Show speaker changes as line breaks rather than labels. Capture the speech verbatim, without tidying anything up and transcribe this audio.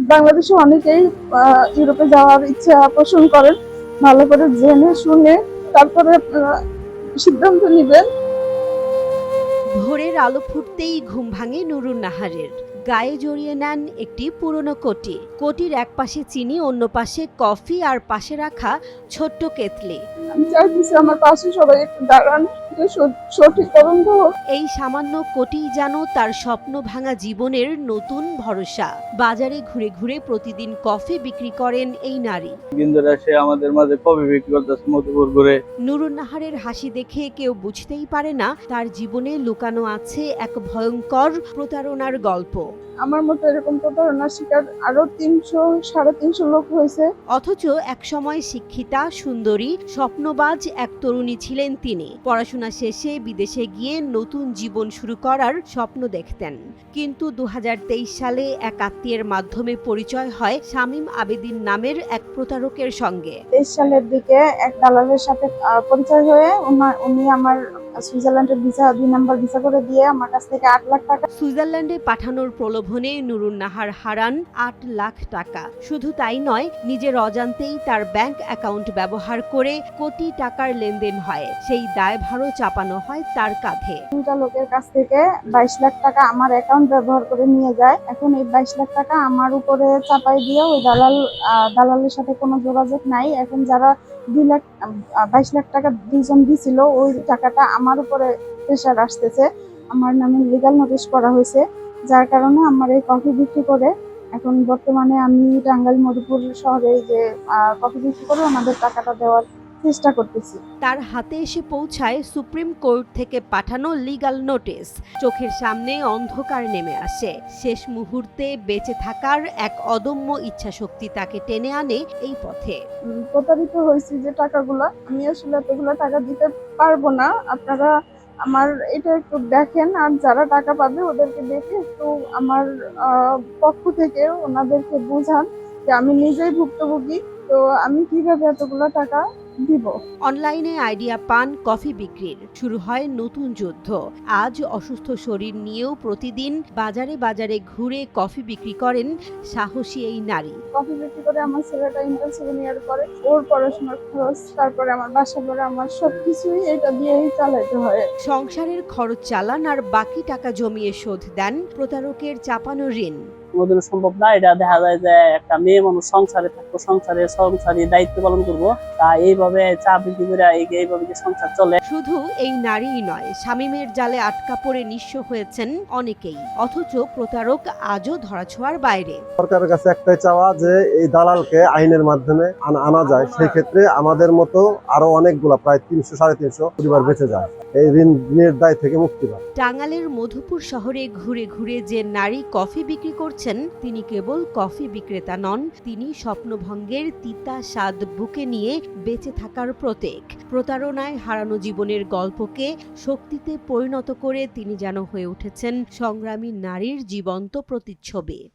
বাংলাদেশে অনেকেই আহ, ইউরোপে যাওয়ার ইচ্ছা পোষণ করেন। ভালো করে জেনে শুনে তারপরে আপনারা সিদ্ধান্ত নেবেন।
ভোরের আলো ফুটতেই ঘুম ভাঙে নুরুন নাহারের। গায়ে জড়িয়ে নেন একটি পুরনো কোটি। কোটির এক পাশে চিনি, অন্য পাশে কফি, আর পাশে রাখা ছোট্ট কেতলি।
আমি চাইতেছি আমার পাশে সবাই একটু দাঁড়ান, যে সঠ- সঠিক তদন্ত হোক।
এই সামান্য কোটিই যেন তার স্বপ্ন ভাঙা জীবনের নতুন ভরসা। বাজারে ঘুরে ঘুরে প্রতিদিন কফি বিক্রি করেন এই নারী।
কিন্তু সে আমাদের মাঝে কফি বিক্রি করতেছে মধুপুর করে।
নুরুন নাহারের হাসি দেখে কেউ বুঝতেই পারে না তার জীবনে লুকানো আছে এক ভয়ঙ্কর প্রতারণার গল্প।
আমার মতো এরকম প্রতারণার শিকার আরো তিনশো সাড়ে তিনশো লোক হয়েছে।
অথচ একসময় শিক্ষিতা, সুন্দরী, স্বপ্নবাজ এক তরুণী ছিলেন তিনি। পড়াশোনা শেষে বিদেশে গিয়ে নতুন জীবন শুরু করার স্বপ্ন দেখতেন। কিন্তু দু হাজার তেইশ সালে এক আত্মীয়ের মাধ্যমে পরিচয় হয় শামীম আবেদিন নামের এক প্রতারকের সঙ্গে।
তেইশ সালের দিকে এক দালালের সাথে আহ, পরিচয় হয়ে উনা- উনি আমার সুইজারল্যান্ডের ভিসা দুই নাম্বার ভিসা করে দিয়ে আমার কাছ থেকে আট লাখ টাকা।
সুইজারল্যান্ডে পাঠানোর প্রলোভনে নুরুন নাহার হারান আট লাখ টাকা। শুধু তাই নয়, নিজের অজান্তেই তার ব্যাংক অ্যাকাউন্ট ব্যবহার করে কোটি টাকার লেনদেন হয়। সেই দায়ভারও চাপানো হয় তার কাঁধে।
দুইটা লোকের কাছ থেকে বাইশ লাখ টাকা আমার অ্যাকাউন্ট ব্যবহার করে নিয়ে যায়। এখন এই বাইশ লাখ টাকা আমার উপরে চাপাই দিয়ে ওই দালাল আহ, দালালের সাথে কোনো যোগাযোগ নাই। এখন যারা দুই লাখ আহ, বাইশ লাখ টাকা দুইজন দিছিল, ওই টাকাটা আমার উপরে প্রেশার আসতেছে। আমার নামে লিগ্যাল নোটিশ করা হয়েছে, যার কারণে আমার এই কফি বিক্রি করে এখন বর্তমানে আমি টাঙ্গাইল মধুপুর শহরে এই যে আহ, কফি বিক্রি করে ওনাদের টাকাটা দেওয়ার চেষ্টা করতেছি।
তার হাতে এসে পৌঁছায় সুপ্রিম কোর্ট থেকে পাঠানো লিগ্যাল নোটিশ। চোখের সামনে অন্ধকার নেমে আসে। শেষ মুহূর্তে বেঁচে থাকার এক অদম্য ইচ্ছাশক্তি তাকে টেনে আনে এই পথে।
উম, প্রতারিত হয়েছি যে টাকাগুলা, আমি আসলে এতগুলো টাকা দিতে পারবো না। আপনারা আমার এটা একটু দেখেন, আর যারা টাকা পাবে ওদেরকে দেখে একটু আমার আহ, পক্ষ থেকে ওনাদেরকে বোঝান যে আমি নিজেই ভুক্তভোগী, তো আমি কিভাবে এতগুলো টাকা দিব।
অনলাইনে আইডিয়া পান কফি বিক্রির। শুরু হয় নতুন যুদ্ধ। আজ অসুস্থ শরীর নিয়েও প্রতিদিন বাজারে বাজারে ঘুরে কফি বিক্রি করেন সাহসী এই নারী।
কফি বিক্রি করে আমার ছেলেটা ইন্টার সেকেন্ড ইয়ার করে, ওর পড়াশোনার খরচ, তারপরে আমার বাসা ভাড়া, আমার সবকিছুই এটা দিয়েই চালাইতে হয়।
সংসারের খরচ চালান আর বাকি টাকা জমিয়ে শোধ দেন প্রতারকের চাপানো ঋণ।
কোনোদিন সম্ভব না। এটা দেখা যায় যে একটা মেয়ে মানুষ সংসারে থাকবো, সংসারে সংসারী দায়িত্ব পালন করবো, তা এইভাবে চা বিক্রি করে এইভাবে যে সংসার চলে।
শুধু এই নারীই নয়, শামীমের জালে আটকা পড়ে নিঃস্ব হয়েছেন অনেকেই। অথচ প্রতারক আজও ধরাছোঁয়ার বাইরে।
সরকারের কাছে একটাই চাওয়া যে এই দালালকে আইনের মাধ্যমে আনা- আনা যায়। সেই ক্ষেত্রে আমাদের মতো আরো অনেকগুলা প্রায় তিনশো সাড়ে তিনশো পরিবার বেঁচে যায়, এই ঋণের দায় থেকে মুক্তি পায়।
টাঙ্গাইলের মধুপুর শহরে ঘুরে ঘুরে যে নারী কফি বিক্রি করছেন, তিনি কেবল কফি বিক্রেতা নন, তিনি স্বপ্নভঙ্গের তিতা স্বাদ বুকে নিয়ে বেঁচে থাকার প্রতীক। প্রতারণায় হারানো জীবনের গল্পকে শক্তিতে পরিণত করে তিনি যেন হয়ে উঠেছেন সংগ্রামী নারীর জীবন্ত প্রতিচ্ছবি।